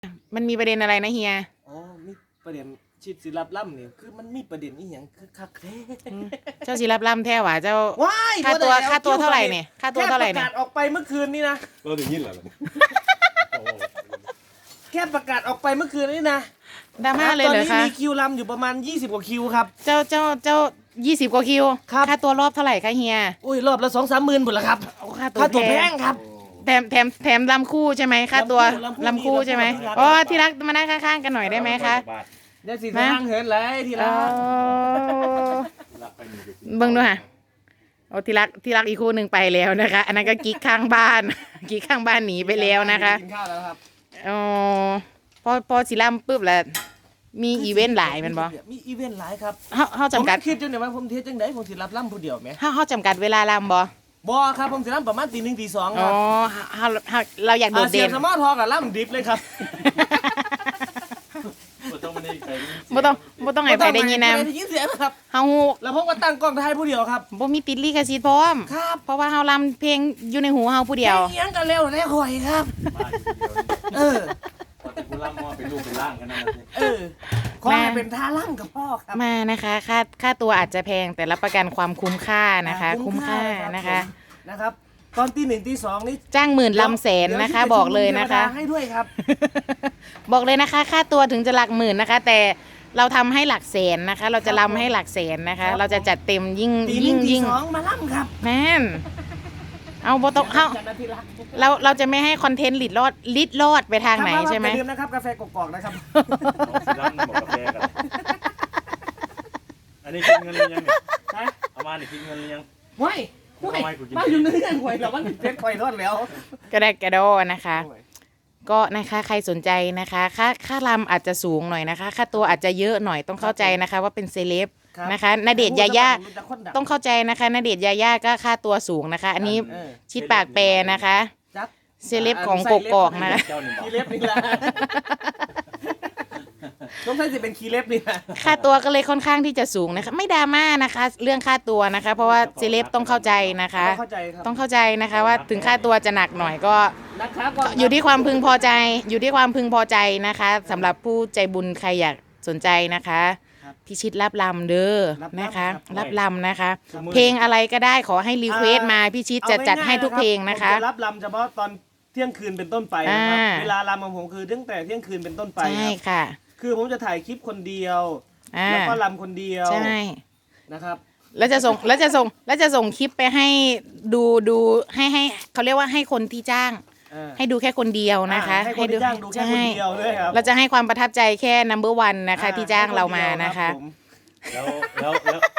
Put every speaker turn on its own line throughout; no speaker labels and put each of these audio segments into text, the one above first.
มันมีประเด็นอะไรนะเฮีย
อ๋อมีประเด็นชิดศิลปล่ำนี่คือมันมีประเด็นอีหยังคือคักแท้
เจ้าศิรับล่ำแท้หว่าเจ้า
ว้าย
ค่าตัวเท่าไหร่เนี่ยค่าตัวเท่าไหร่เนี่ย
แค่ประกาศออกไปเมื่อคืนนี้นะ
เราถึงยินเหรอ
แค่ประกาศออกไปเมื่อคืนนี้นะ
ดราม่าเลยเหรอคะ
ตอนนี้มีคิวลำอยู่ประมาณ20กว่าคิวครับ
เจ้า20 กว่าคิว
ครับ
ค่าตัวรอบเท่าไหร่คะเฮีย
อุ้ยรอบละ2-3 หมื่นหมดแล้วครับ
ค่า
ค่าตัว
ตัว
แพ
แพ
ง
ง
ครับ
แถมลำคู่ใช่ไหมค่าตัว
ลำคู่
ใช่ไหม
ลำคู่
อ๋อที่รักมานั่งข้างๆกันหน่อยได้ไหมคะ
เดี๋ยวสิทางเหินเลยทีละ
เบิ่งดูค่ะโอ้ที่รักอีกคู่หนึ่งไปแล้วนะคะ อันนั้นก็กิ๊กข้างบ้าน กิ๊กข้างบ้านหนีไปแล้วนะคะ
กินข้าวแล้วครับ
อ๋อพอสิล่ำปุ๊บแล้วมีอีเวนต์หลายแมันบ่
มีอีเวนต์หลายครับ
เฮาจำกัด
ผมคิดจังได๋ว่าผมเทศจังได๋ผมสิรับล่ำผู้เดียวแหม
เฮาจำกัดเวลาล่ำบ่
บ่ครับผมสิล่ำประมาณตี 1 ตี 2ค
อ๋อ
รับ
เราอยากโดดเด่น
เสียงสมอทอกับล่ำดิบเลยครับ
บ่ต้องให้ไปได้ยินนำ
ได้ยินเสียงครับ
เฮาฮู้
แล้วผมก็ตั้งกล้องถ่ายผู้เดียวครับ
บ่มีติดลิขสิทธิ์พร้อม
ครับ
เพราะว่าเฮาลำเพลงอยู่ในหูเฮาผู้เดียว
เสียงกันเร็วได้ข่อยครับเออ
คุณล่ำมอเป็นลูกเป็นร่างกันนะ
ขอให้เป็นท่าล่ำกับพ่อครับ
มานะคะค่าตัวอาจจะแพงแต่รับประกันความคุ้มค่านะคะคุ้มค่า
นะครับตอนตี 1 ตี 2นี่
จ้างหมื่นลำแสนนะคะบอกเลยนะคะ
ให้ด้วยครับ
บอกเลยนะคะค่าตัวถึงจะหลักหมื่นนะคะแต่เราทำให้หลักแสนนะคะเราจะลำให้หลักแสนนะคะเราจะจัดเต็มยิ่ง
มาล่ำครับ
แม่นเอาโบตกเราจะไม่ให้คอนเทนต์ลิดรอดไปทางไหนใช่ไหม
อย่าลืมนะครับกาแฟกอกๆนะครับ
อันนี้คิดเงินหรือยังเนี่ยเอามาเนี่ยคิดเงินหรือยัง
ไม่มาอยู่ในเรื่องหวยแต่ว่าเพชรไฟรอดแล้ว
ก็ได้กระโดนะคะก็นะคะใครสนใจนะคะค่าลำอาจจะสูงหน่อยนะคะค่าตัวอาจจะเยอะหน่อยต้องเข้าใจนะคะว่าเป็นเซเลบนะคะณเดชน์ยาย่าต้องเข้าใจนะคะณเดชน์ยาย่าก็ค่าตัวสูงนะคะอันนี้ชิดปากแปรนะคะเซเลบของกกอกนะคะ
คีเล็บนี่แหละต้องใช้สิเป็นคีเล็บนี่แหละ
ค่าตัวก็เลยค่อนข้างที่จะสูงนะคะไม่ดราม่านะคะเรื่องค่าตัวนะคะเพราะว่าเซเลบต้องเข้าใจนะคะต้องเข้าใจนะคะว่าถึงค่าตัวจะหนักหน่อยก็อยู่ที่ความพึงพอใจนะคะสำหรับผู้ใจบุญใครอยากสนใจนะคะพิชิตรับลำเด้อนะคะรับลำนะคะเพลงอะไรก็ได้ขอให้รีเควสมาพิชิตจะจัดให้ทุกเพลงนะคะ
รับลำเฉพาะตอนเที่ยงคืนเป็นต้นไปนะครับเวลาลำของผมคือตั้งแต่เที่ยงคืนเป็นต้นไป
ใช่ค่ะ
คือผมจะถ่ายคลิปคนเดียวแล้วก็ลำคนเดียว
ใช่
นะครับ
แล้วจะส่งคลิปไปให้ดูให้เขาเรียกว่าให้คนที่จ้างให้ดูแค่คนเดียวนะคะ
ให้ดูแค่คนเดียวด้วยครับ
เราจะให้ความประทับใจแค่ number 1นะคะที่จ้างเรามานะคะ
แล้ว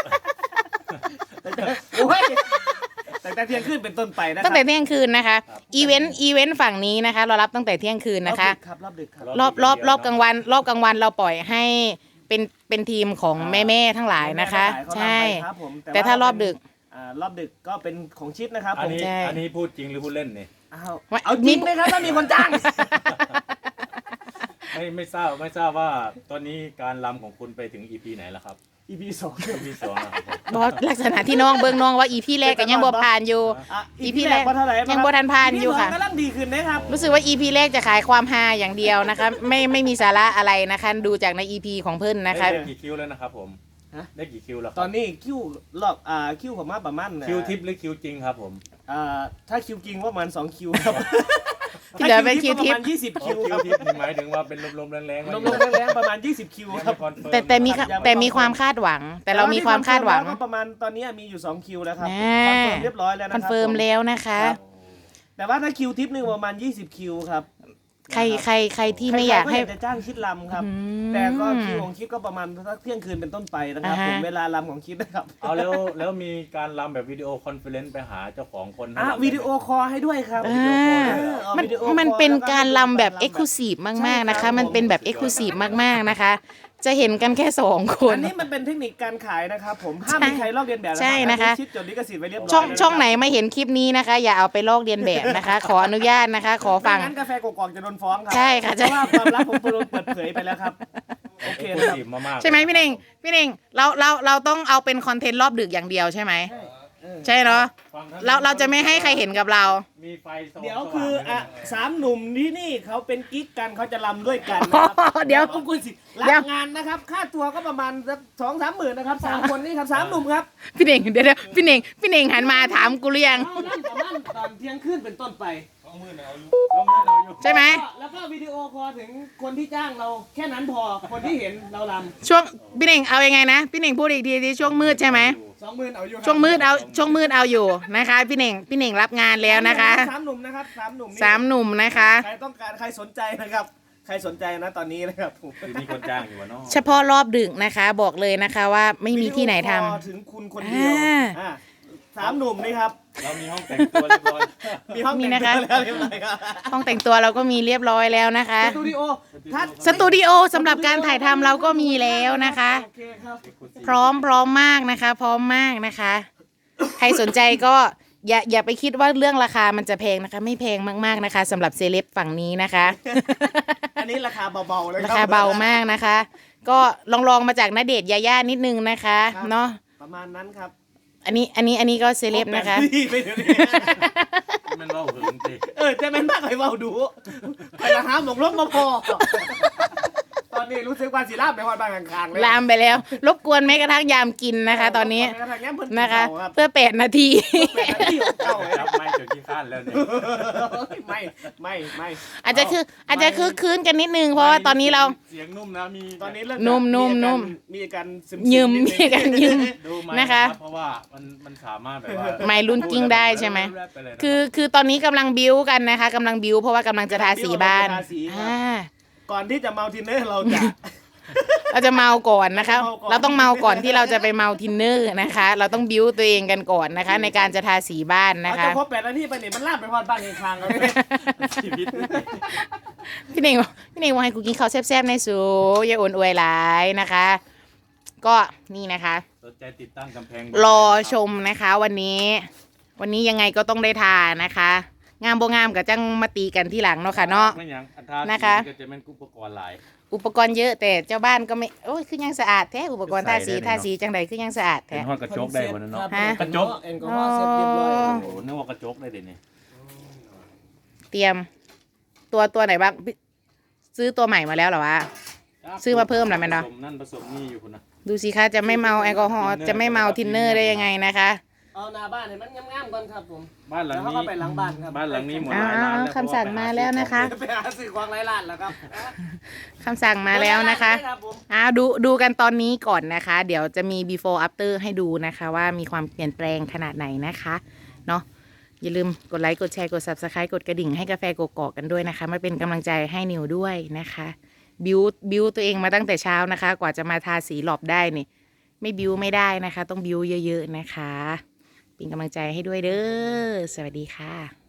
ตั้งแต่เที่ยงคืนเป็นต้นไปนะ
ตั้งแต่เที่ยงคืนนะคะอีเวนต์ฝั่งนี้นะคะเรารับตั้งแต่เที่ยงคืนนะคะรอบกลางวันเราปล่อยให้เป็นทีมของแม่ทั้งหลายนะคะใช่แต่ถ้ารอบดึก
ก็เป็นของชิดนะครับ
อันนี้พูดจริงหรือพูดเล่นเนี่ย
เอาจริงไหมครับถ้ามีคนจ้าง
ไม่ทราบว่าตอนนี้การรำของคุณไปถึง EP ไหนแล้วครับ
EP
บอสลักษณะที่น้องเบิ่งน้องว่า EP แรกก็ยังบ่ผ่านอยู่ EP แรกยังบ่ทันผ่านอยู่ค่ะ
กำลังดีขึ้นนะครับ
รู้สึกว่า EP แรกจะขายความฮาอย่างเดียวนะคะไม่มีสาระอะไรนะคะดูจากใน EP ของเพิ่นนะคะ
ได้กี่คิวแล้วนะครับผมได้กี่คิวแล้ว
ตอนนี้คิวรอบคิวของมาประมาณ
คิวทิปหรือคิวจริงครับผม
ถ้าคิวจริงว่าประมาณ2คิวครับ
ที่เหลือเป็นคิวทิป
ประมาณ20คิว
ครับหมายถึงว่าเป็นลมๆแรง
ๆประมาณ20คิวครับ
แต่มีความคาดหวังแต่เรามีความคาดหวัง
ประมาณตอนนี้มีอยู่2คิวแล้วครับคอนเฟิร์มเรียบร้อยแล้วนะครับ
คอนเฟิร์มแล้วนะคะ
แต่ว่าถ้าคิวทิปนึงประมาณ20คิวครับ
ใครที่ไม่อยากให้
จะจ้างคิดลำครับแต่ก็คิวของคิดก็ประมาณสักเที่ยงคืนเป็นต้นไปนะครับผมเวลาลำของคิดนะครับ
เอาแล้วมีการลำแบบวิดีโอคอนเฟอเรนซ์ไปหาเจ้าของคน
วิดีโอคอลให้ด้วยครับ
มันเป็นการลำแบบเอ็กซ์คลูซีฟมากๆนะคะมันเป็นแบบเอ็กซ์คลูซีฟมากๆนะคะจะเห็นกันแค่2คน
อันนี้มันเป็นเทคนิคการขายนะครับผมห้ามมีใครลอกเลียนแบบ
ใช่นะคะ
ชิดจดลิขสิทธิ์ไว้เรียบร้อย
ช่องไหนไม่เห็นคลิปนี้นะคะอย่าเอาไปลอกเลียนแบบนะคะขออนุญาตนะคะขอฟัง
งั้นกาแฟกอกๆจะโดนฟ้องครับ
ใช่ค่ะ
เพราะว่าความลับผมโดนเปิดเผยไปแล้วครับโอเคครับ
ใช่ไหมพี่เน่งเราต้องเอาเป็นคอนเทนต์รอบดึกอย่างเดียวใช่ไหมใช่เนาะ
ฝั่งท่น
เราจะไม่ให้ใครเห็นกับเรา
มีไฟสว่าง
เดี๋ยวคือ
สว่าง
สามหนุ่มที่นี่เขาเป็นกิ๊กกันเขาจะรำด้วยกันนะครับ
เดี๋ยว
ขอบคุณสิรั
เดี๋ยว
บงานนะครับ ค่าตัวก็ประมาณสัก2-3 หมื่นนะครับ3 คนนี่ครับ3 หนุ่มครับ
พี่เน่งเดี๋ยวพี่เน่งหันมาถามกูหรือยัง
เอานั่นประมาณตอนเที่ยงคืนเป็นต้นไป
ใช่ไหม
แล้วก็วิดีโอคอลถึงคนที่จ้างเราแค่นั้นพอคนที่เห็นเรารำ
ช่วงพี่เน่งเอายังไงนะพี่เน่งพูดอีกทีช่วงมืดใช่ไหม
20,000เอาอยู่ครับ
ช่วงมืดเอาอยู่นะคะพี่เน่งรับงานแล้วนะคะ
3 หนุ่มนะครับ3 หนุ่มนี่
สามหนุ่มนะคะ
ใครต้องการใครสนใจนะครับ ใครสนใจนะตอนนี้นะครับผม
คือมีคนจ้างอยู่วะเนาะ
เฉพาะรอบดึกนะคะ บอกเลยนะคะว่าไม่มีที่ไหนทำ
วิดีโอคอลถึงคุณคนเดียว3 หนุ่มนี่ครับ
เรามีห้องแต่งตัวเรียบร้อย
มีห้อง
มี
แต่ง
นะคะ
ตัวแล้วเรียบร้อยครับ
ห้องแต่งตัวเราก็มีเรียบร้อยแล้วนะคะ
สตูดิโอถ้า
สตูดิโอสำหรับการถ่ายทำเราก็มีแล้วนะคะ
โอเคครับ
พร้อมมากนะคะ พร้อมมากนะคะ ใครสนใจก็อย่าไปคิดว่าเรื่องราคามันจะแพงนะคะ ไม่แพงมากๆนะคะสำหรับเซเลบฝั่งนี้นะคะ
อันนี้ราคาเบาๆเลย
ราคาเบามากนะคะ ก็ลองมาจากณเดชน์ยาย่านิดนึงนะคะเนาะ
ประมาณนั้นครับ
อันนี้ก็เซเลบนะคะ
ไปเดี๋ยวนี้
มันเล่าหึงสิ
จะแม่นมากไปเบาดูไปละหาหมกลบมาพอตอนนี้รู้สึกว่าสีลาบไปฮอดบ้านข้างๆเลย
ลามไปแล้ว รบกวนแม้กระทั่งยามกินนะคะ ตอนนี้นะคะ เพื่อ8 นาที
จับไม้เจอขี้ข้านแล้วเนี่ย
ไม่
อาจจะคือคืนกันนิดนึงเพราะว่าตอนนี้เรา
เสียงนุ่มนะมี
ตอนนี้เริ่ม
นุ่ม
มีอาการซึม
ยืมมีกันยืม
ดูไหม
นะคะ
เพราะว่ามันสามารถแบบว่า
ไม้รุ่นกิ้งได้ใช่ไหม
ปเลยนะ
คือตอนนี้กำลังบิวกันนะคะกำลังบิวเพราะว่ากำลังจะทาสีบ้านอ่า
ก่อนที่จะเมาทินเนอร์เราจะ
เราจะเมาก่อนนะคะ
เมาก่อน
เราต้องเมาก่อนที่เราจะไปเมาทินเนอร์นะคะ เราต้องบิวตัวเองกันก่อนนะคะ ในการจะทาสีบ้านนะ
เรา
คะ
จะครบ8 นาทีไปเนี่ยมันลาบไปฮอดบ้านข้างๆแล้ว
ชีวิต
พี่เน่งว่าให้กูกินข้าวแซ่บๆในสูอย่าอ่อนอวยหลายนะคะ ก็นี่นะคะ
สนใจติดตั้งกำแพง
รอชมนะคะวันนี้ยังไงก็ต้องได้ทานะคะ งามบ่งามกับจังมาตีกันที่หลังเนาะค่ะเนาะ
ไม่หยังอัตรา
นะคะ
ก็จะเป็นอุปกรณ์หลาย
อุปกรณ์เยอะแต่เจ้าบ้านก็ไม่โอ้ยคือยังสะอาดแท้อุปกรณ์ทาสีจังใดคือยังสะอาด
เป็
แท้
นห้องกระจกได้หมดนะเนาะ
ฮะ
กระจก
แอลกอฮอล์เสร็จเรียบร้อย
อ๋อ
โอ้โหนึกว่ากระจกได้เดี๋ยวนี้
เตรียมตัวไหนบ้างซื้อตัวใหม่มาแล้วเหรอวะ ซื้อมาเพิ่มเหรอแม่เนาะ
ผสมนั่นผสมนี่อยู่คุณนะ
ดูสิคะจะไม่เมาแอลกอฮอล์จะไม่เมาทินเนอร์ได้ยังไงนะคะ
เอาหน้าบ้านให้มันงามๆก่อนครับผม
บ้านหลัง
แล้วเขา
นี้
ก็ไปหลังบ้านครับ
บ้านหลังนี้หมด
อ้า
หลายล้านแล้ว
วคำสั่งมาแล้วนะคะ
ไปหาซื้อของไร้ร้านแล้วครับ
คำสั่งมาแล้วนะคะ
รับผม
ดูกันตอนนี้ก่อนนะคะ เดี๋ยวจะมี before after ให้ดูนะคะ ว่ามีความเปลี่ยนแปลงขนาดไหนนะคะเนาะอย่าลืมกดไลค์กดแชร์กด subscribe กดกระดิ่งให้กาแฟกกอกกันด้วยนะคะมาเป็นกำลังใจให้นิวด้วยนะคะบิวตัวเองมาตั้งแต่เช้านะคะ กว่าจะมาทาสีหลอบได้นี่ไม่บิวไม่ได้นะคะ ต้องบิวเยอะๆนะคะเป็นกำลังใจให้ด้วยเด้อสวัสดีค่ะ